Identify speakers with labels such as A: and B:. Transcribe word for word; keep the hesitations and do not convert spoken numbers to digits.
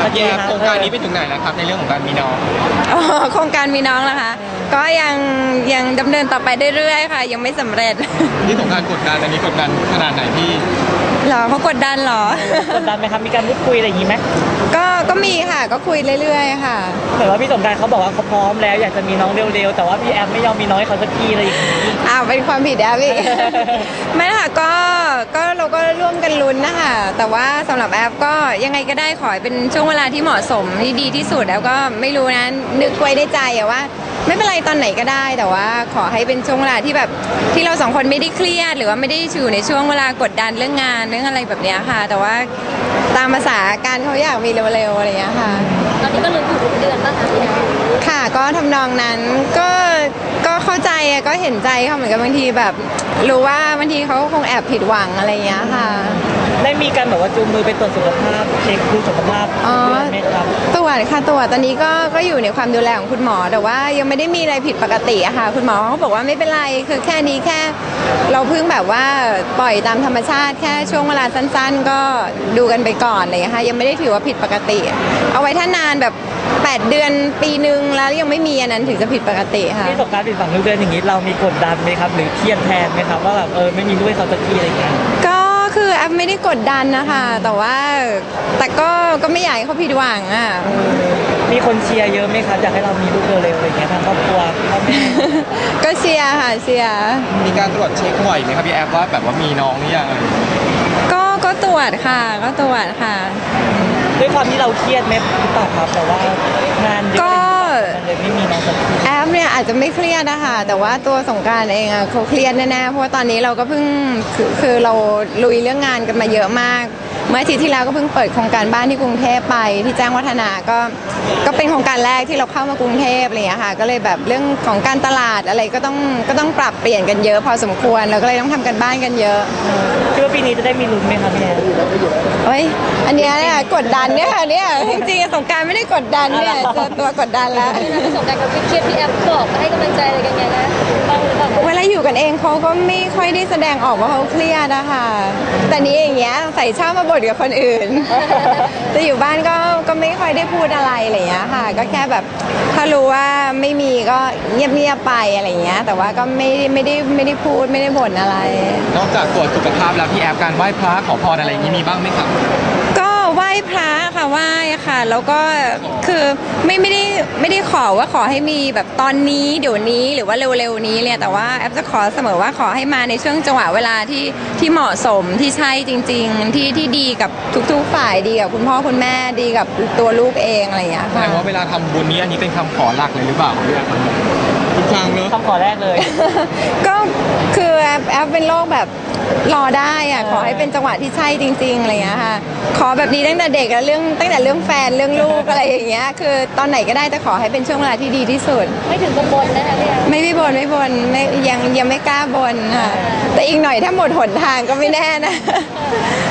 A: วัสดีครับโครงการนี้ไปถึงไหนแล้วครับในเรื่องของการมีน้อง
B: โครงการมีน้องนะคะก็ยังยังดำเนินต่อไปเรื่อยๆค่ะยังไม่สำเร็จ
A: ที่สงการกดดันอันนี้กดดันขนาดไหนพี่
B: หรอเขากดดันหร
C: อกดดันไหมครับมีการพูดคุยอะไรอย่างนี้ไหม
B: ก็ก็มีค่ะก็คุยเรื่อยๆค่ะ
C: เหมือนว่าพี่สงการเขาบอกว่าเขาพร้อมแล้วอยากจะมีน้องเร็วๆแต่ว่าพี่แอฟไม่ยอมมีน้องให้เขาสักทีอะไรอย่างนี้
B: อ้าวเป็นความผิดแอฟอีกไม่ค่ะก็ก็เราก็ร่วมกันลุ้นนะคะแต่ว่าสำหรับแอฟก็ยังไงก็ได้ขอเป็นช่วงเวลาที่เหมาะสมที่ดีที่สุดแล้วก็ไม่รู้นะนึกไว้ในใจอะว่าไม่เป็นไรตอนไหนก็ได้แต่ว่าขอให้เป็นช่วงเวลาที่แบบที่เราสองคนไม่ได้เครียดหรือว่าไม่ได้อยู่ในช่วงเวลากดดันเรื่องงานเรื่องอะไรแบบนี้ค่ะแต่ว่าตามภาษาการเขาอยากมีเร็วๆอะไรอย่างเงี้ยค่ะ
D: ตอนนี้ก็ลุ้นอยู่ทุกเดือนป่ะคะพี่แอฟ
B: ค่ะก็ทำนองนั้นก็ก็เข้าใจก็เห็นใจเขาเหมือนกันบางทีแบบรู้ว่าบางทีเขาคงแอบผิดหวังอะไรอย่างเงี้ยค่ะ
C: ได้มีการแบบว่าจูงมือไปตรวจสุขภาพเช็คดูสุขภาพ
B: อ๋อตรวจค่ะตรวจตอนนี้ก็ก็อยู่ในความดูแลของคุณหมอแต่ว่ายังไม่ได้มีอะไรผิดปกติอะค่ะคุณหมอเขาบอกว่าไม่เป็นไรคือแค่นี้แค่เราเพิ่งแบบว่าปล่อยตามธรรมชาติแค่ช่วงเวลาสั้นๆก็ดูกันไปก่อนเลยค่ะยังไม่ได้ถือว่าผิดปกติเอาไว้ถ้านานแบบแปดเดือนปีนึงแล้วยังไม่มีอันนั้นถึงจะผิดปกติค่ะ
C: ที่สงการผิดหวังทุกเดือนอย่างนี้เรามีกดดันไหมครับหรือเครียดแทนไหมครับว่าแบบเออไม่มีลูกให้เขาสักทีอะไรอย่างเงี้ย
B: ก็คือแอฟไม่ได้กดดันนะคะแต่ว่าแต่ก็ก็ไม่อยากให้เขาผิดหวังอ่ะ
C: มีคนเชียร์เยอะไหมครับอยากให้เรามีลูกเร็วๆอะไรเงี้ยทางครอบครัวพ่อแม่
B: ก็เชียร์ค่ะเชียร์
A: มีการตรวจเช็คบ่อยไหมครับพี่แอฟว่าแบบว่ามีน้องหรือยัง
B: ก็ก็ตรวจค่ะก็ตรวจค่ะ
C: ด้วยความที่เราเครียดไหมหรือเปล่าครับแต่ว่างานเยอะมันเลยไม่มีน้องสักที
B: แอฟเนี่ยอาจจะไม่เครียดนะคะแต่ว่าตัวสงกรานต์เองอะเขาเครียดแน่ๆเพราะว่าตอนนี้เราก็เพิ่งคือคือเราลุยเรื่องงานกันมาเยอะมากเมื่ออาทิตย์ที่แล้วก็เพิ่งเปิดโครงการบ้านที่กรุงเทพไปที่แจ้งวัฒนะก็ก็เป็นโครงการแรกที่เราเข้ามากรุงเทพอะไรอย่างเงี้ยค่ะก็เลยแบบเรื่องของการตลาดอะไรก็ต้องก็ต้องปรับเปลี่ยนกันเยอะพอสมควรแล้วก็เลยต้องทำกันบ้านกันเยอะ
C: คิดว่าปีนี้จะได้มีลุ้นไหมคะพี่แอน
B: เฮ้ยอันนี้เนี่ยกดดันเนี่ยค่ะเนี่ยจริงๆสงการไม่ได้กดดันเนี่ยเจอตัวกดดันแล้ว
D: สงการกับเครียดพี่แอฟบอกให้กำลังใจอะไรกันไงนะ
B: เวลาอยู่กันเองเขาก็ไม่ค่อยได้แสดงออกว่าเขาเครียดนะคะแต่นี้อย่างเงี้ยใส่ชอบมาบ่นกับคนอื่นจะอยู่บ้านก็ก็ไม่ค่อยได้พูดอะไรอะไรอย่างเงี้ยค่ะก็แค่แบบถ้ารู้ว่าไม่มีก็เงียบๆไปอะไรอย่างเงี้ยแต่ว่าก็ไม่ไม่ได้ไม่ได้พูดไม่ได้บ่นอะไร
A: นอกจากตรวจสุขภาพแล้วพี่แอฟการไหว้พระขอพรอะไรอย่างนี้มีบ้างไหมครับ
B: ก็ไหว้พระค่ะไหว้ค่ะแล้วก็คือไม่ไม่ได้ไม่ได้ขอว่าขอให้มีแบบตอนนี้เดี๋ยวนี้หรือว่าเร็วๆนี้เลยแต่ว่าแอฟจะขอเสมอว่าขอให้มาในช่วงจังหวะเวลาที่ที่เหมาะสมที่ใช่จริงๆที่ที่ดีกับทุกๆฝ่ายดีกับคุณพ่อคุณแม่ดีกับตัวลูกเองอะไรอย่างเงี้ยค่ะ
A: แสดงว่าเวลาทำบุญนี้อันนี้เป็นคำขอหลักเลยหรือเปล่าทุกครั้งเนอะ
C: คำขอแรกเลย
B: ก็คือแอฟแอฟเป็นโรคแบบรอได้อ่ะขอให้เป็นจังหวะที่ใช่จริงๆอะไรอย่างเงี้ยค่ะขอแบบนี้ตั้งแต่เด็กแล้วเรื่องตั้งแต่เรื่องแฟนเรื่องลูกอะไรอย่างเงี้ยคือตอนไหนก็ได้แต่ขอให้เป็นช่วงเวลาที่ดีที่สุด
D: ไม่ถึงกังวลนะคะพี่
B: ไม่ไม่บนไม่บนไม่ยังยังไม่กล้าบนค่ะแต่อีกหน่อยถ้าหมดหนทางก็ไม่แน่นะ